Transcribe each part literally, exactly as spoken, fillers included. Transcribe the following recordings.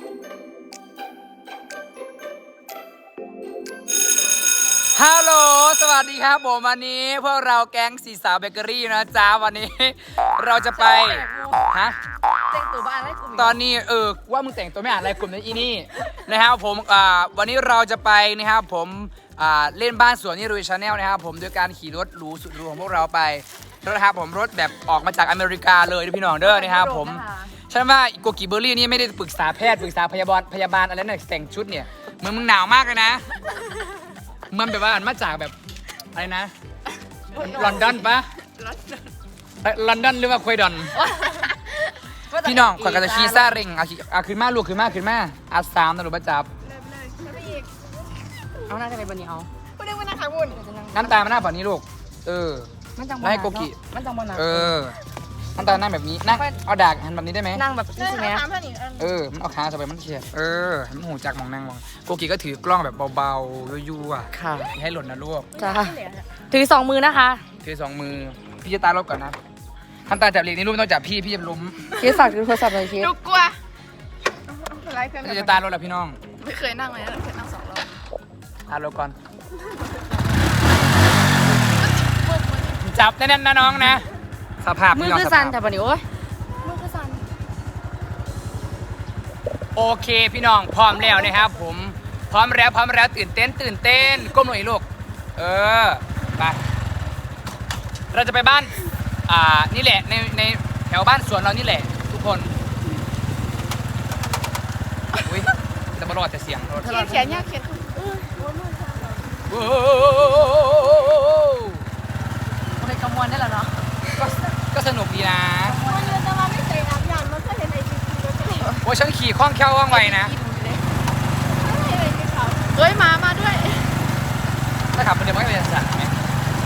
ฮัลโหลสวัสดีครับผมวันนี้พวกเราแก๊งสีสาวเบเกอรี่นะจ๊ะวันนี้เราจะไปฮะแต่งตัวบ้านอะไรกลุ่มตอนนี้เออว่ามึงแต่งตัวไม่อ่านอะไรกลุ่มนี้อีนี่นะครับผมอ่าวันนี้เราจะไปนะครับผมอ่าเล่นบ้านสวนนี่รุยชาแนลนะครับผมโดยการขี่รถหรูสุดหรูของพวกเราไปรถนะครับผมรถแบบออกมาจากอเมริกาเลยนะพี่น้องเด้อนะครับผมฉันว่าโกกิเบอร์รี่นี่ไม่ได้ปรึกษาแพทย์ปรึกษาพยาบาลพยาบาลอะไรนั่นแต่งชุดเนี่ยเหมือนมึงหนาวมากเลยนะมันแบบว่าอันมาจากแบบอะไรนะลอนดอนปะลอนดอนหรือว่าควยดอนพี่น้องขวัญกระชีซ่าเร่งอาอาขึ้นมาลูกขึ้นมาขึ้นมาอาสามตำรวจประจับเอาหน้าจะไปบนนี้เอาพูดเรื่องว่านะคะวุ่นน้ำตามันหน้าฝั่งนี้ลูกเออมันจังแล้วให้โกกิมันจังบนนะเออน้ำตาหน้าแบบนี้นั่งเอาดากหันแบบนี้ได้ไหมนั่งแบบนี้ใช่ไหมถามเพื่อนอีกอันเออมันเอาขาสบายมันเชียร์เออให้มันหูจักมองนั่งมองโกกิก็ถือกล้องแบบเบาๆยั่วๆค่ะอย่าให้หล่นนะลูกจ้าถือสองมือนะคะถือสองมือพี่จะตารถก่อนนะทำตาจับเหล็กนี่ลูกไม่ต้องจับพี่พี่จะล้มคิดฝากถือโทรศัพท์เลยคิดหนูกลัวอะไรเพื่อนพี่จะตารถแล้วพี่น้องไม่เคยนั่งเลยนะเคยนั่งสองรอบตารถก่อนจับแน่นๆนะน้องนะสภาพมือน้งคือสสั่นภาพแต่ปนี้โอ้ยมือคือสั่นโอเคพี่น้องพร้อมแล้วนะครับผมพร้อมแล้วพร้อมแล้วตื่นเต้นตื่นเต้นก้มหน่อยลูกเออไปเราจะไปบ้านอ่านี่แหละในในแถวบ้านสวนเรานี่แหละทุกคนอุ้ยจะมารอดแต่เสียงรถเขียนเขียนยากเขียนเออโอ้โอเคกำมวลได้แล้วเนาะก็ก็สนุกดีนะวันเดือนจะมาไม่ใส่น้ำยางมันก็เห็นไอ้จิ๊บจิ๊บแล้วก็เห็นโอ้ฉันขี่คล่องแคล่วว่องไวนะไอ้จิ๊บเขาเอ้ยมามาด้วยถ้าขับมันเดี๋ยวมันก็เป็นสั่นไหม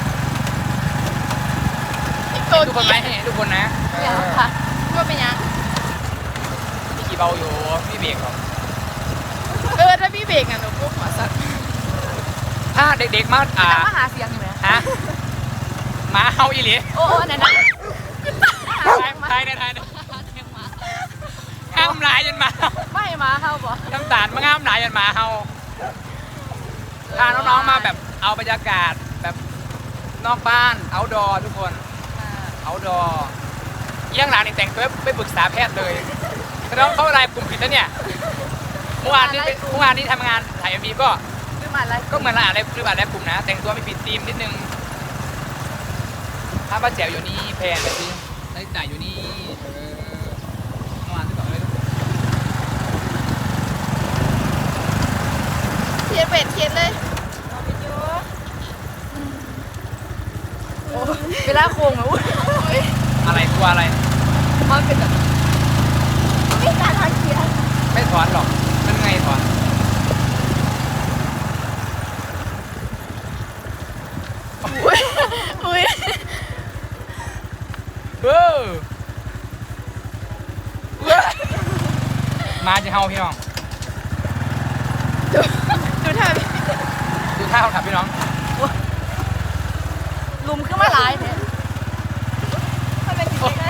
อีกเห็ตัวนทุกคนไหมเห็นทุกคนนะเอยังอค่ะว่าเป็นยังพี่ขี่เบาอยู่พี่เบรกหรอกเออถ้าพี่เบรกอ่ะหนูปุ๊บหัวสั่นถ้าเด็กๆมาอ่ามาหาเสียงอยู่ไหมฮะหมาเฮาอีหลีโอ้โหนั่นนะไทยในไทยในห้ามหลายจนหมาไม่มาเข้าบ่น้ำตาลมันห้ามหลายจนหมาเฮาพาน้องๆมาแบบเอาบรรยากาศแบบนอกบ้านเอาดอทุกคนเอาดอเยี่ยงหลังนี่แต่งตัวไม่ปรึกษาแพทย์เลยน้องเขาอะไรกลุ่มผิดแล้วเนี่ยเมื่อวานนี้เป็นเมื่อวานนี้ทำงานถ่ายเอ็มวีก็คือมาอะไรก็เหมือนร้านอะไรหรืออะไรกลุ่มนะ แต่งตัวไม่ผิดธีมนิดนึงถ้าป้าแจ๋วอยู่นี่แพนแบบนี้นาฬิกาอยู่นี่เออเมื่อวานที่บอกเลยเขียนเป็ดเขียนเลยเวลาโค้งอ่ะอุ้ยอะไรตัวอะไรมันเป็นแบบไม่การทางเขียนไม่ถอนหรอกมันไงถอนอุ้ยอุ้ยเออมาจะเฮาพี่น้องดูดูท่าพี่ดูท่าเขาขับพี่น้องลุมขึ้นมาหลายเนี่ยมันเป็นจริงๆนะ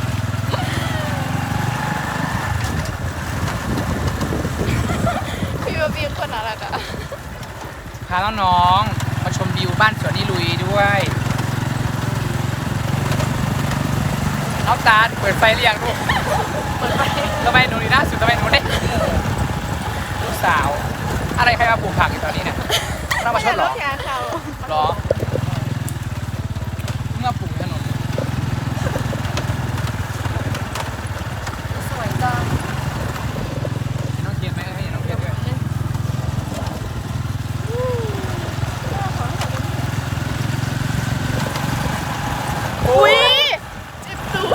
พี่ว่าพี่คนน่ารักอ่ะพาน้องๆมาชมวิวบ้านสวนนี่ลุยด้วยน้องตาลเปิดไฟเรียงลูกเปิดไปทำไมหนูนี่หน้าสุดทำไมหนูได้ลูกสาว อะไรใครมาปลูกผักอยู่ตอนนี้เนี่ยเรามาชดเหรอแขนเขาเหรอเมื่อปลูกถนนสวยจังน้องเทียนไหมให้น้องเทียนด้วยอุ้ยเจ็บตัว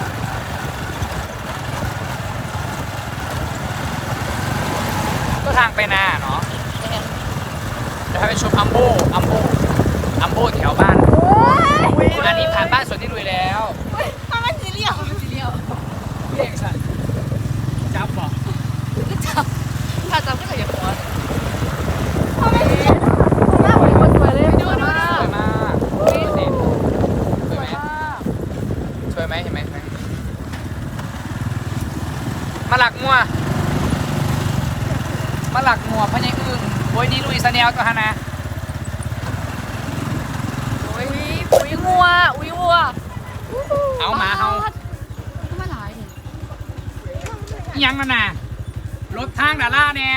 ก็ทางไปนาเนาะเดี๋ยวให้ไปชมอัมโบอัมโบอัมโบแถวบ้านอันนี้ผ่านบ้านสวนที่ลุยแล้วทำไมสีเหลี่ยมสีเดียวพี่เอกสันจับบอกก็จับถ้าจับก็จะอย่าหัวทำไมสีเหลี่ยมหน้าเหมือนคนสวยเลยดูดูสวยมากนี่สิสวยไหมมากสวยไหมเห็นไหมมาหลักมัวมาหลักหมวกพะยังอึ้งโอ้ยนี่ลุยสแนลตัวฮะนะอุ้ยอุ้ยงัวอุ้ยวัวเอาหมาเอาทำไมหลายเนี่ยอิหยังนั่นน่ะรถทางดาล่าเนี่ย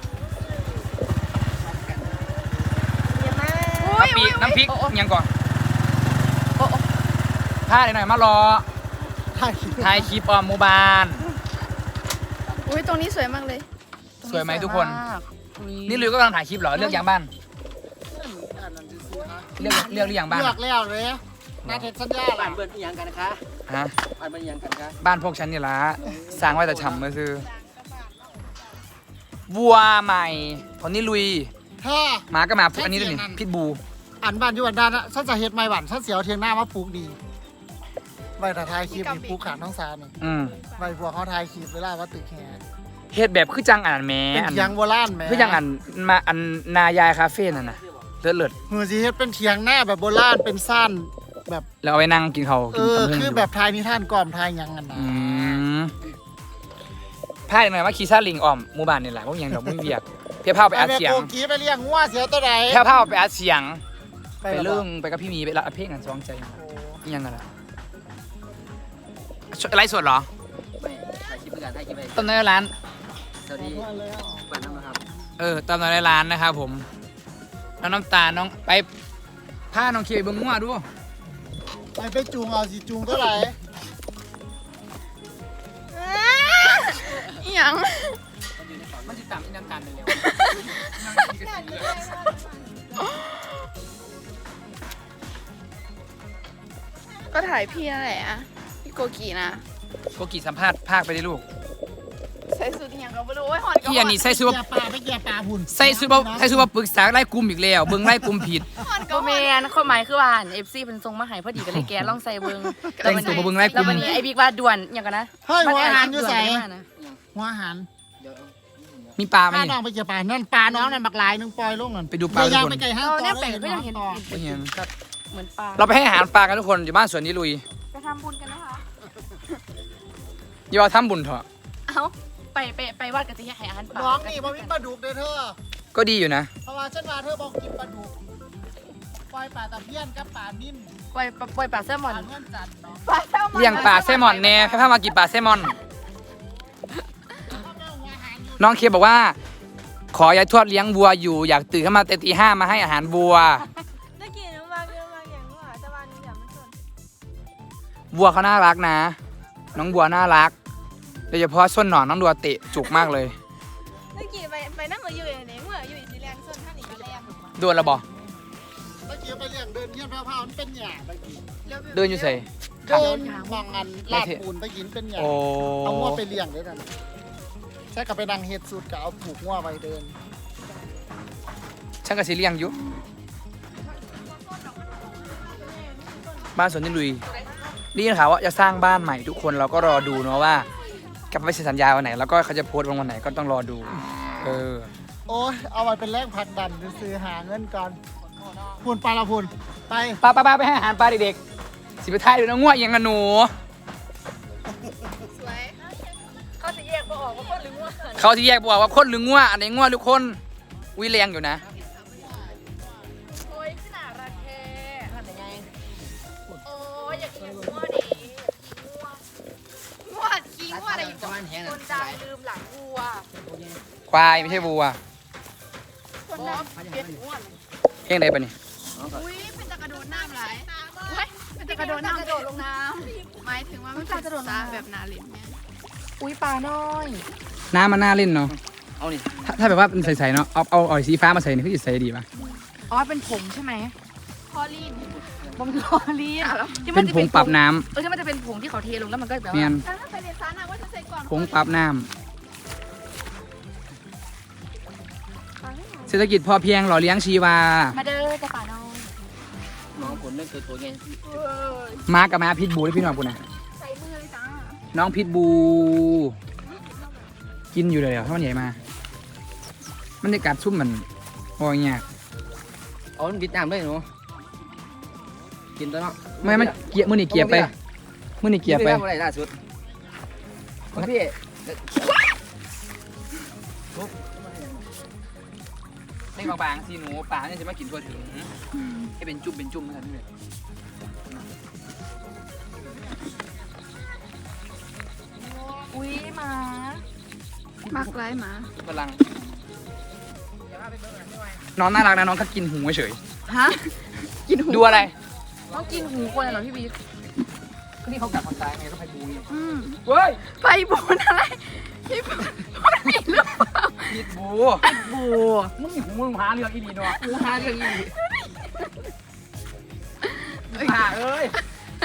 โอ้ยกะปิน้ำพริกโอ้โอ้อิหยังก่อนโอ้โอ้ผ้าหน่อยๆมารอถ่ายคลิปถ่ายคลิปออมหมู่บ้านอุ้ยตรงนี้สวยมากเลยสวยไหมทุกคนมากอุ๊ยนี่ลุยก็กำลังถ่ายคลิปเหรอเลือกยังบ้านเลือกเลือกหรือยังบ้านเลือกแล้วเลยนาเทศสัญญาบ้าล่ะนเบิร์นอีหยังกันนะคะฮะบ้านเบิร์นอีหยังกันคะบ้านพวกฉันนี่ละสร้างไว้แต่ฉ่ำมือซื้อวัวใหม่คนนี้ลุยแท้หมาก็มาอันนี้ด้วยนี่พิทบูอันบ้านอยู่อันด้านนะฉันจะเฮ็ดไม้หวานฉันเสียวเทียงหน้ามาปลูกดีไว้แต่ทายคลิปนี่ปลูกขาดน้องสานี่อืมไว้พวกเขาทายคลิปเวลาว่าตึกแห่เฮ็ดแบบคือจังอันแหม่เป็นอันเทียงโบราณแหมคือจังอันมาอันนายายคาเฟ่นั่นน่ะเลิศเลิศมือสิเฮ็ดเป็นเทียงหน้าแบบโบราณเป็นสั้นแบบแล้วเอาไว้นั่งกินเขาวเอกินอตำลึงคือแบบทายนิทานก่อมทายหยังกันนะอืมพาดหน่อยว่าขี่ซาลิงอ้อมหมู่บ้านนี่แหละพวกยังดอกมึงเวียกเพียพาไปอัดแม่เสียงโกกี้ไปเลี้ยงงัวเสียวตัวใดเพียพาไปอัดเสียง ไปแล้วเรื่องบ่ไปกับพี่มีไปละเพลงกันสองใจโอ้อีหยังกันล่ะไลฟ์สดเหรอไม่ถ่ายคลิปด้วยกันถ่ายคลิปไปตอนในร้านสวัสดีบ้านน้ำนะครับเออตอนในร้านนะครับผมน้องน้ำตาลน้องไปพาน้องเคไปเบิ่งงัวดูไปไปจูงเอาสิจูงตัวใดอีหยังมันจะตามที่น้ำตาลเร็วก็ถ่ายพี่นั่นแหละอะพี่โกกีนะโกกีสัมภาษณ์ภาคไปได้ลูกใส่สูทอีหยังก็ไม่รู้ไอ้หอนก็พี่อันนี้ใส่ซูเกีเปอร์ยร์ปลาไปเกียร์ปลาหุ่นใส่ซูเปอร์ใส่ซูเปอร์ปรึกษาไล่กลุ่มอีกแล้วเบิ่งไล่กลุ่มผิดหอนก็ก็แมนความหมายคือว่าเอฟซีเป็นทรงมาใหายพอดีก็เลยแกลองใส่เบิ้งแต่งตัวมาเบิ่งไล่กแล้วลุ่มวันนี้ไอ้บิ๊กว่าด่วนอย่างกันนะเฮ้ยหัวอาหารอยู่ใส่ด่วนได้มากนะหัวอาหารเดี๋ยวมีปลาไหมถ้าน้องไปเกียร์ปลานั่นปลาน้องนั่นบักลายนึงปล่อยลงนั่นไปดูปลาอย่าทุกคนไปไกลห้างเราต่อเนี่ยแปลได้กก็ยังเห็นต่อไม่เห็นแบบเหมือนปลาเราไปให้อาหารปลากันทุกคนอยู่บ้านสวนนี้ลุยไปทำบุญกันนะคะอย่าว่าทำบุญเถอะเอ้าไปไปไปวัดกันจะให้อาหารปลาน้องนี่บ่มีปลาดุกเด้อเธอก็ดีอยู่นะเพราะว่าฉันว่าเธอบอกกินปลาดุกปล่อยปลาตะเพียนกับปลานิ่มปล่อยปล่อยปลาแซลมปอนลาเงื่อนจันทร์เนาะปลาแซลมอนเลี้ยงปลาแซลมอนแน่ให้พามากินปลาแซลมอน น้องเคบอกว่า ขอยายทวดเลี้ยงวัวอยู่อยากตื่นขึ้นมาแต่ตีห้ามาให้อาหารวัวได้กินน้ำมันเยอะมากอย่างว่าแต่วันนี้เดี๋ยวมันสนวัวเขาน่ารักนะ น้องวัวน่ารักโดยเฉพาะส้นหนอนน้องดัวเตะจุกมากเลยได้กินไปไปนั่งอยู่อย่างนี้เมื่ออยู่อีแรงส่วนท่านอีกแรงโดนระบอเมื่อกี้ไปเลี้ยงเดินเงี้ยพาวๆมันเป็นหยาไปกินเดินอยู่ใส่เดินมองอันลาดปูนไปกินเป็นหยาโอ้เอางัวไปเลี้ยงด้วยกันใช่กับไปดังเฮ็ดสูตรกับเอาผูกงัวไปเดินช่างกระสีเลี้ยงอยู่บ้านสวนนี่ลุยนี่ข่าวว่าจะสร้างบ้านใหม่ทุกคนเราก็รอดูเนาะว่ากลับไปเซ็นสัญญาวันไหนแล้วก็เขาจะโพสต์วันไหนก็ต้องรอดู เออโอ้ยเอาไว้เป็นแรงผลักดันซื้อหาเงินก่อนพูนปลาละพูนไปป้าป้าป้าไปให้อาหารปลาเด็กๆสิไปท้ายดูนะง่วงยังกันหนูสวยเขาจะแยกบ่ออกว่าคนหรือว่าเขาที่แยกบอกว่าคนหรือง่วงอันไหนง่วงหรือคนวิแรงอยู่นะโอ้ยขนาดรักแท้ทำยังไงโอ้ยอยากกินงัวดิงัวขี้งัวอะไรอยู่ตะวันแห้งคนดังลืมหลังวัวควายไม่ใช่วัวคนดังเปลี่ยนงัวเพลงใดปะนี่อุ้ยเป็นตะกระโดดน้ำไหลเป็นตะกระโดดน้ำกระโดดลงน้ำหมายถึงว่ามันเป็นกระโดดน้ำแบบนาลินเนี่ยอุ้ยปลาน้อยน้ำมันน่าเล่นเนาะเอานี่ถ้าถ้าแบบว่าเป็นใสๆเนาะเอาเอาเอาสีฟ้ามาใส่นี่คือจะใสดีป่ะอ๋อเป็นผงใช่ไหมพอลีนผงลอลีนที่เป็นจะผงปรับน้เออที่มันจะเป็นผงที่เขาเทลงแล้วมันก็แบบำเนียว่านถ้าไปเรียนซานะว่าจะใส่ก่อนผงปรับน้ำเศรษฐกิจพอเพียงหล่อเลี้ยงชีวามาเด้อจะปลาน้อยน้องผลเรื่องตัวตัวไงม้ากับม้าพิษบูได้พี่น้องกูนะใส่มือเลยจ้าน้องพิษบู กินอยู่เลยเหรอถ้ามันใหญ่มามันจะกัดซุ่มมันโอ้ยเงี้ยเอามันบิดน้ำด้วยหนูกินตัวเนาะไม่มันเกียร์มือนี่เกียร์ไปมือนี่เกียร์ไปพี่อะไรล่าสุดพี่ให้บางๆสิหนูปลาเนี่ยจะมากินตัวถึงให้เป็นจุ่มเป็นจุ่มนั่นเลยอุ้ยหมามักไร้หมากำลังน้องน่ารักนะน้องก็กินหูเฉยฮะกินหูดูอะไรต้องกินหูคนเหรอพี่บีก็นี่เขากัดคนตายไงต้องไปดูนี่อืมเว้ยไปบูนอะไรพี่บูนมันมีหรือเปล่ามีดบูบูมึงมีหูมึงหาเรื่องอีดีเนาะหูหาเรื่องอีดีหาเอ้ย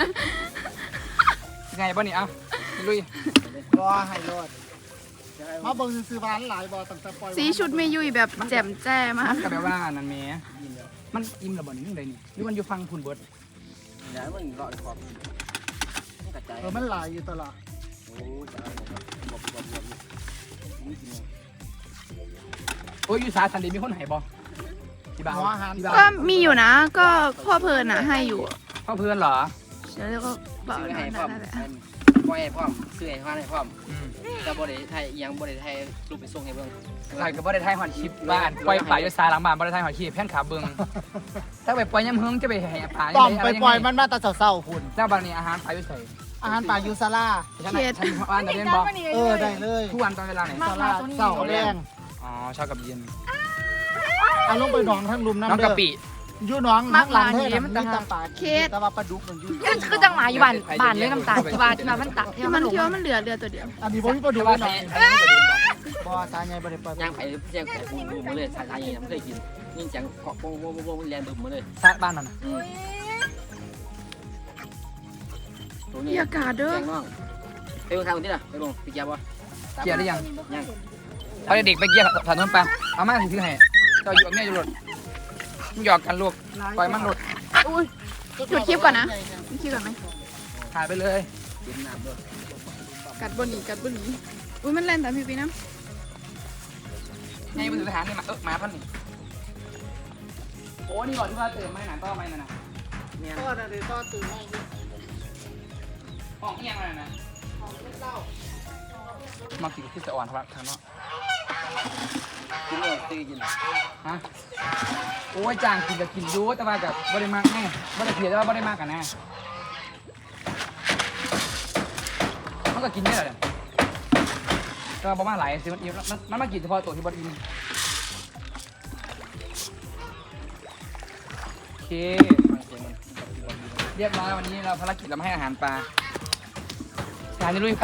ไงบ้านี่เอ้าลุยรอให้รอดมาเบิ่งซื้อบ้านหลายบ่ตั้งแต่ปล่อยสีชุดไม่ยุ่ยแบบแจ่มแจ้มากก็แปลว่านั่นแหม่มันอิ่มระเบิดนี่เลยนี่หรือมันอยู่ฟังคุณเบิร์ดเดี๋ยวมันรอดขอบมันกระจายเออมันหลายอยู่ตลอดโอ้จะเอาครับบอกบอกบอกนี่กินโอ้ยอยู่สาสันดีมีคนไหนบ่ที่บ้านหัวอาหารที่บ้านก็มีอยู่นะ ก็พ่อเพลินอ่ะให้อยู่พ่อเพื่อนเหรอเดี๋ยวก็บอกซื้อนั่ให้นพร้อมแหละปล่อยให้พร้อมซื้อให้พร้อมให้พร้อมอืมแต่บ่ได้ไทยยังบ่ได้ไทยรูปไปส่งให้เบิ่งใช่ก็บ่ได้ถ่ายหอนคลิปบ้านปล่อยป่าอยู่สายหลังบ้านบ่ได้ถ่ายหอนคลิปแพ่นขาเบิ่งถ้าไปปล่อยยำเฮิงจะไปแห่ป่าต้องไปปล่อยมันมาแต่เศร้าๆคุณแล้วบางนี้อาหารป่าอยู่ใส่อาหารป่ายูซาร่าฉันน่ะฉันว่านแต่เล่นบ่เออได้เลยทุกวันตอนเวลาไหนซาร่าเศร้าแรงอ๋อเช้ากับเย็นเอาลงไปหนองทั้งลุมน้ำน้องเด้กะอปิอยู่หนองทั้งหลังเท่านั้นมีแตาปลาแต่ว่าปลาดุกมันอยู่มันคือจังหมาอยู่บ้านบ้านเลยน้ำตาลที่บ้านที่บ้านมันตักที่ที่มัมัน นหลงคิดว่ามันเหลือเรือตัวเดียวอันนี้บ่มีปลาดุแต่กว่าหน่ใส่อยใส่ไม่ได้บ่สายใหญ่บ่ได้ปล่อยย่างไผ่แจ้งไผ่บูบูมาเลยสายๆยังไม่เคยกินนี่จังเกาะโป้งโป้งโป้งแลนบึมมาเลยซาบ้านนั่นน่ะอืมตัวนี้มีอากาศเด้อแจ้งน้องไปลงทางคนที่น่ะไปลงไปเกียร์บ่เกียร์ได้ยังยังเอาเด็กๆไปเกียร์ถนนไปเอามาถือให้เจ้าอยู่กับแม่อยู่รถมึงหยอกกันลูกปล่อยมันรถอุ้ยหยุดคลิปก่อนนะหยุดคลิปก่อนไหมถ่ายไปเลยกินน้ำด้วยกัดบนหนีกัดบนหนีอุ้ยมันเล่นแต่พี่ปีนะไงมือถือทหารนี่มาเออมาพันนี่โอ้นี่ก่อนที่ว่าเติมไม่หนาต้อไม่นั่นน่ะเนี่ยก็ได้เลยก็ตื่นมาอยู่ห้องเอียงอะไรนะมากินที่สะอ่อนครับทางเนาะกินเลยตีกินฮะโอ้ยจางกินกับกินอยูแต่ว่ากับบริมากแน่บริเพียแต่ว่าบริมากกันแน่มันก็กินไม่ได้เลยก็ประมาณหลายสิมันอิ่มมันมันมากินเฉพาะตัวที่บดอิ่มโอเค เรียบร้อยวันนี้เราภารกิจเรามาให้อาหารปลาจานนี้ลุยไป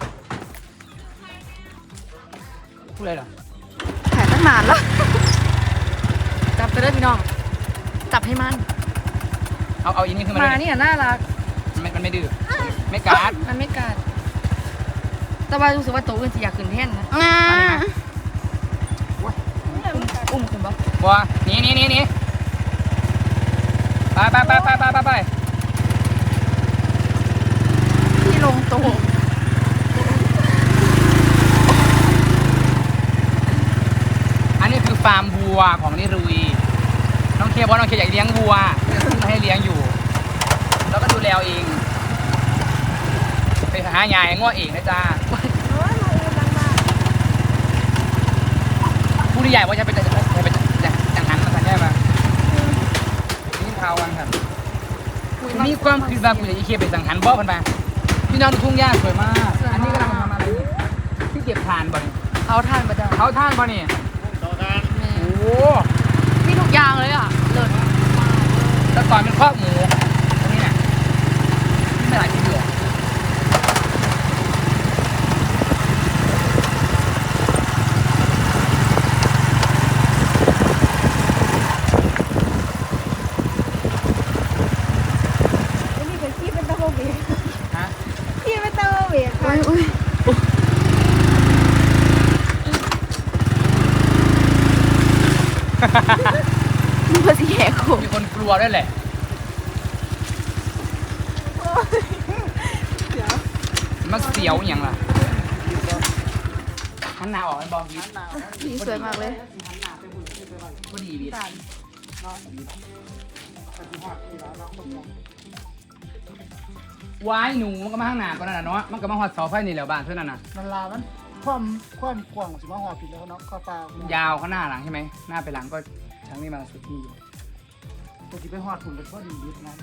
พูดอะไรเหรอถ่ายตั้งนานแล้วจับไปเลยพี่น้อง จับให้มันเอาเอาอีนี่ขึ้นหมามาเลยเนี่ยน่ารักมันไม่มันไม่ดื้อไม่การ์ดมันไม่กัดแต่ว่ารู้สึกว่าโตขึ้นจะอยากขึ้นแท่นนะอ่าอุ้มขึ้นปะบัวหนีหนีหนีหนีไปไปไปไปไปไปไปที่ลงโตะอันนี้คือฟาร์มวัวของนิรุยน้องเคบอกน้องเคอยากเลี้ยงวัวซื้อมาให้เลี้ยงอยู่ แล้วก็ดูแลเอง ไปหาหญ้าให้ง้อเองนะจ๊ะผู้ที่ใหญ่ว่าจะเป็นจะเป็นอย่างนั้นมาสัญญาปะนี่ข่าววันครับมีความคิดว่าคุณจะอีเคไปสังหันบ่กันไปพี่น้องดูทุ่งหญ้าสวยมาก อันนี้กำลังทำอะไรนี่ที่เก็บถ่านบ่นี่เขาทานประจำเขาท่านบ่นี่ต่อการโอ้โหมีทุกอย่างเลยอ่ะเลิศแต่ก่อนเป็นครอบหมูตรงนี้เนี่ยไม่หลายที่เหลือฮะอุ้ยอุ้ยนี่ภาษีแหกโขมีคนกลัวด้วยแหละมันเสียวอย่างล่ะหันหน้าออกมันบอกยิ้มนี่สวยมากเลยก็ดีดีวายหนูมันก็มาข้างหน้าก็นั่นน่ะเนาะมันก็มาหอดเสาไฟนี่แหล้วบ้านเท่านั้นน่ะมันลามันความความกว้างสิมาหอผิดแล้วเนาะก็ปลายาวข้างหน้าหลังใช่ไหมหน้าไปหลังก็ช้างนี่มาสุดที่อยู่ตัวที่ไปหอดถุงเป็นพอดียึดนะ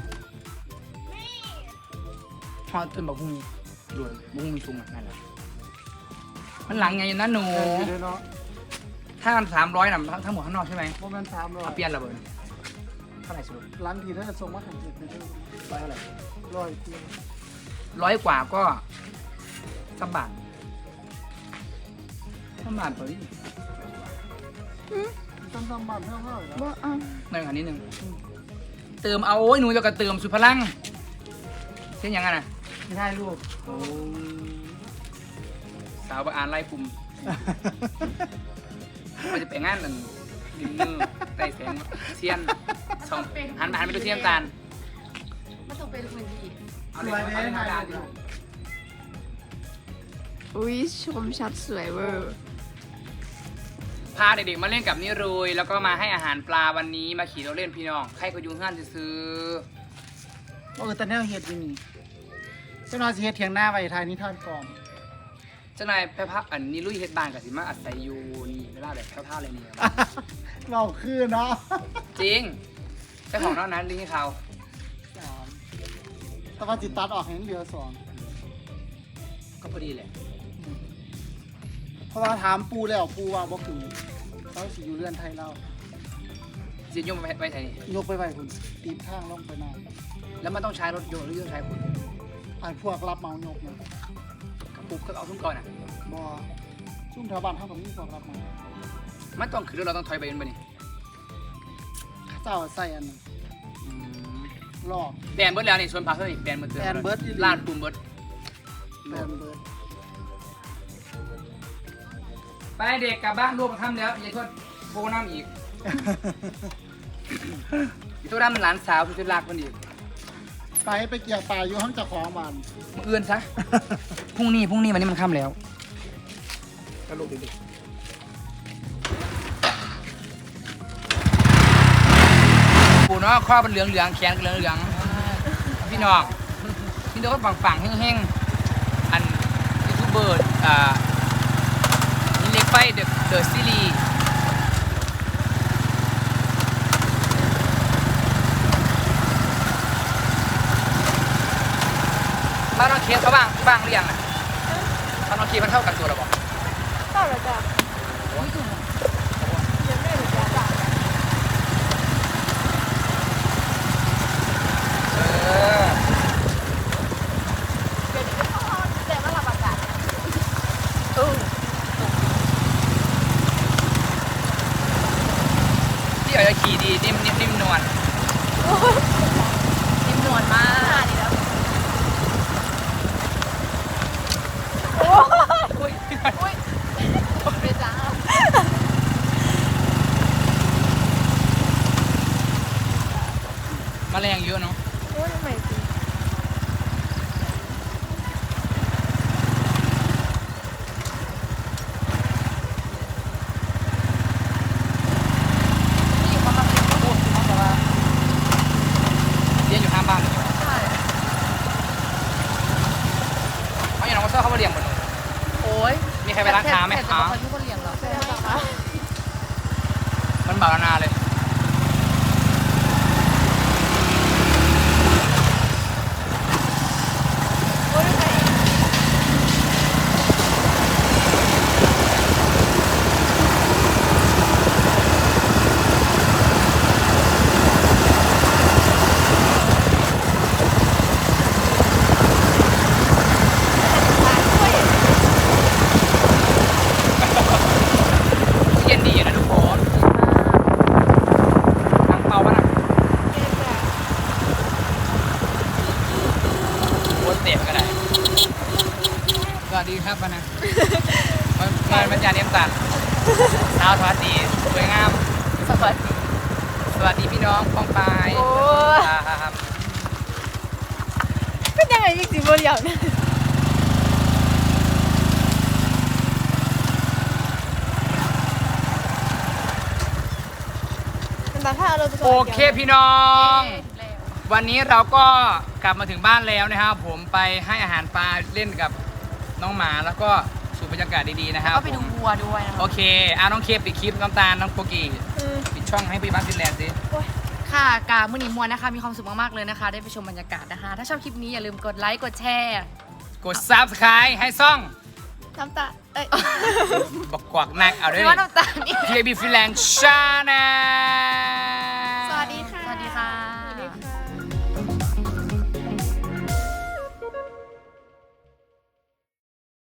ทอดต้นบักหุ่งด่วนบักหุ่งสูงนั่นแหละมันหลังไงนะหนูเออเนาะถ้ากันสามร้อยน่ะทั้งทั้งหมดข้างนอกใช่ไหมโมเมนต์สามร้อยเอาเปลี่ยนระเบิดเท่าไหร่สรุปหลังทีถ้าจะส่งมาถึงเจ็ดเป็นร้อยเท่าไหร่ร้อยเพียงร้อยกว่าก็สับบาทสับบาทเปล่าดิตั้งตั้งบ้านเท่าเท่าอยู่แล้วว่าอ้าวหนึ่งอันนี้หนึ่งเติมเอาโอ้ยหนูจะกระเติมสุดพลังเช่นยังไงน่ะไม่ได้ลูกโอ้สาวบางอ่านไล่ปุ่มมันจะไปงานนั่นดินเนอร์ใต้แสงเทียนสองหันหันไปดูเทียนตาลมันต้องเป็นคนดีเอาเลยเอาเลยเอาเลยอุ้ยชมชัดสวยเวอร์พาเด็กๆมาเล่นกับนิรุยแล้วก็มาให้อาหารปลาวันนี้มาขี่รถเล่นพี่น้องใครก็อยุ่งห้านจะซื้อเออแต่แนวเฮ็ดอยู่นี่เจ้าหน้าที่เฮ็ดเถียงหน้าไว้ทายนิทานก่อนเจ้านายแพ้พักอันนิรุยเฮ็ดบ้านกับสิมาอาศัยอยู่นี่เวลาแบบแพ้ๆเลยเนี่ยเราคือเนาะจริงเจ้าของเท่านั้นลิงให้เขาสามแต่ว่าจิตตัดออกเห็นเหลือสองก็พอดีแหละเพราะว่าถามปูแล้วปูว่าบ่คือเขาสิอยู่เรือนไทยเราจะยกไปไว้ไหนนี่ยกไปไว้คุณตีนข้างลงไปหน้าแล้วมันต้องใช้รถยนต์หรือต้องใช้คนไอ้พวกรับเหมายกนะกระปุกก็เอาทุ่งก่อนอ่ะบ่ซุ่มแถวบ้านเฮาก็มีพวกรับเหมามันต้องคือเราต้องถอยไปเป็นไปนี่เจ้าใส่อันนั้นอืมลอกแบนเบิร์ดแล้วนี่ส่วนพาเฮ้ยแบนเบิร์ดแบนเบิดอีหลีลาดปุ่มเบิร์ดแบนเบิดไปเด็กกลับบ้านรวมทำแล้วอย่าโทษโบน้ำอีกอย่าโทษน้ำมันหลานสาวที่รักมันอีกไปไปเกี่ยวปลาอยู่ห้องเจ้าของบ้านมื่ออื่นซะ พรุ่งนี้พรุ่งนี้วันนี้มันค่ำแล้วก็ลูกดิปูเนาะข้อเป็นเหลืองเหลืองๆแขนก็เหลืองเหลืองๆพี่น้องพี่น้องก็ฝังฝังๆแห้งๆอันยูทูบเบอร์อ่านี่เล็กไฟเดอะเดอะซีรีส์บ้านน้องเคสเขาบ้างบ้างหรือยังอ่ะบ้านน้องเคสมันเท่ากันตัวหรือเปล่าต่อเลยจ้ะยังไม่รู้จ้ะจ้ะเออเดี๋ยวนี้ก็เข้าแต่ว่าระบาดกันพี่อาจจะขี่ดีนิ่มนิ่มนิ่มนวลนิ่มนวลมากนี่แล้วอุ้ยอุ้ยไปจ้าแมลงเยอะเนาะโอ้ยทำไมสินี่เขามาเป็นพูดเขาบอกว่าเรียนอยู่ข้างบ้านใช่เขาอย่างน้องก็เซอร์เขามาเลี้ยงหมดเลยโอ้ยมีใครไปร้านค้าไหมแต่คะแต่ทุกคนเลี้ยงหรอใช่ไหมคะมันบานาเลยเย็นดีนะทุกคนน้ำเปล่าป่ะนะโคตรเต็มก็ได้สวัสดีครับป่ะนะงานบรรยายเนียมตัดสาวสวัสดีสวยงามสวัสดีสวัสดีพี่น้องป้องปายโอ้ครับเป็นยังไงอีกสิบเดียวเนี่ยเป็นตาข้าวเราจะโอเคพี่น้อง วันนี้เราก็กลับมาถึงบ้านแล้วนะครับผมไปให้อาหารปลาเล่นกับน้องหมาแล้วก็สุบรรยากาศดีๆนะครับก็ไปดูวัวด้วยนะคะโอเคอ่ะน้องเคปิดคลิปน้ำตาลน้องโกกีปิดช่องให้พี่บ้านฟินแลนด์สิค่ะกามือหนีมวนนะคะ มีความสุขมากๆเลยนะคะ ได้ไปชมบรรยากาศนะคะ ถ้าชอบคลิปนี้อย่าลืมกดไลค์กดแชร์กด ซับสไครบ์ให้ซ่องน้ำตาเอ้ยบอกกวักนักเอาด้วยพี่ว่าน้ำตาลนี่ทีบีฟินแลนด์ชาแนลสวัสดีค่ะสวัสดีค่ะสวัสดีค่ะ